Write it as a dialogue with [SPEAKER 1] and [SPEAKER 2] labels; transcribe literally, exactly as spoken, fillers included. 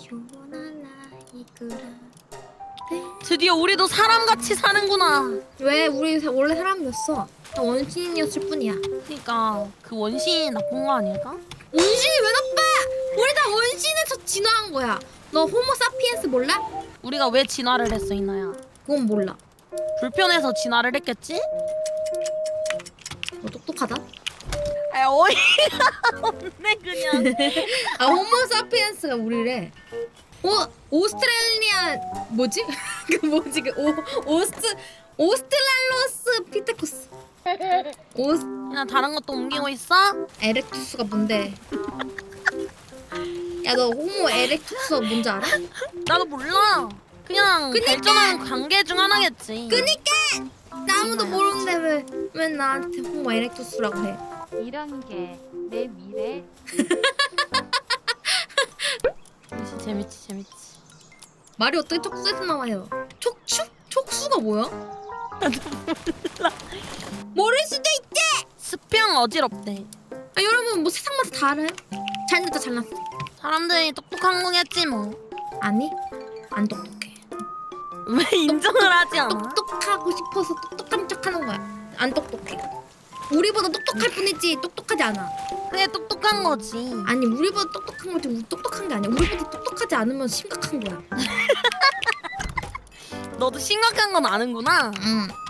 [SPEAKER 1] 드디어 우리도 사람같이 사는구나.
[SPEAKER 2] 왜? 우리 사- 원래 사람이었어. 다 원시인이었을 뿐이야.
[SPEAKER 1] 그니까 그 원신이 나쁜 거 아닐까?
[SPEAKER 2] 원신이 왜 나빠? 우리 다 원신에서 진화한 거야. 너 호모 사피엔스 몰라?
[SPEAKER 1] 우리가 왜 진화를 했어 이나야?
[SPEAKER 2] 그건 몰라.
[SPEAKER 1] 불편해서 진화를 했겠지?
[SPEAKER 2] 너 똑똑하다.
[SPEAKER 1] 아 어이가 없네 그냥.
[SPEAKER 2] 아 호모 사피엔스가 우리래. 오 오스트레일리아 뭐지? 그 뭐지 그 오 오스트 오스트랄로스 피테쿠스. 오스
[SPEAKER 1] 그냥 다른 것도 옮기고 있어?
[SPEAKER 2] 에렉투스가 뭔데? 야 너 호모 에렉투스가 뭔지 알아?
[SPEAKER 1] 나도 몰라. 그냥
[SPEAKER 2] 그니까!
[SPEAKER 1] 발전하는 관계 중 하나겠지.
[SPEAKER 2] 그니까 나 아무도 모르는데 왜 왜 나한테 호모 에렉투스라고 해?
[SPEAKER 3] 이런 게 내 미래.
[SPEAKER 1] 재밌지 재밌지 재밌지.
[SPEAKER 2] 말이 어떻게 촉수에서 나와요? 촉추? 촉수가 뭐야? 모를 수도 있지.
[SPEAKER 1] 스평 어지럽대.
[SPEAKER 2] 아, 여러분 뭐 세상마다 다 알아요? 잘났다 잘났어.
[SPEAKER 1] 사람들이 똑똑한 거겠지 뭐.
[SPEAKER 2] 아니 안 똑똑해.
[SPEAKER 1] 왜 인정을 하지 않아?
[SPEAKER 2] 똑똑하고 싶어서 똑똑한 척하는 거야. 안 똑똑해. 우리보다 똑똑할 뿐이지 똑똑하지 않아.
[SPEAKER 1] 그게 똑똑한 거지.
[SPEAKER 2] 아니 우리보다 똑똑한 거지 우리 똑똑한 게 아니야. 우리보다 똑똑하지 않으면 심각한 거야.
[SPEAKER 1] 너도 심각한 건 아는구나.
[SPEAKER 2] 응.